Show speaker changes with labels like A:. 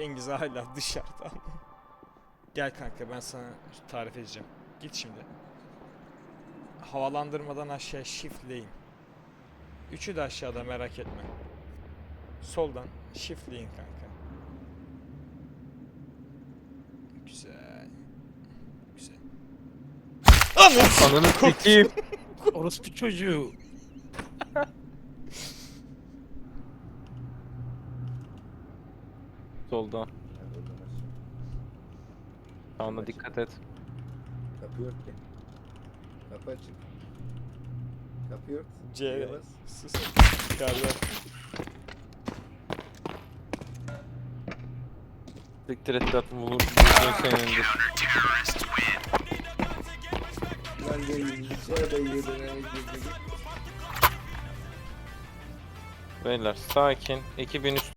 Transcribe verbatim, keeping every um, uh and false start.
A: Cengiz hala dışarıda. Gel kanka, ben sana tarif edeceğim. Git şimdi. Havalandırmadan aşağı shiftleyin. Üçü de aşağıda, merak etme. Soldan shiftleyin kanka. Güzel. Güzel. Ananı
B: Ananı sikeyim.
C: Orospu çocuğu.
B: Solda. Sağına dikkat et.
D: Kapı yok ki. Kapı açık. Kapı yok.
A: C.
D: Yavaş.
A: Sus. Galiba.
B: Siktir et tatlım bulur. Bulur senindir.
D: Lan gelin. Şöyle yedine girdik.
B: Beyler sakin. iki bin üstü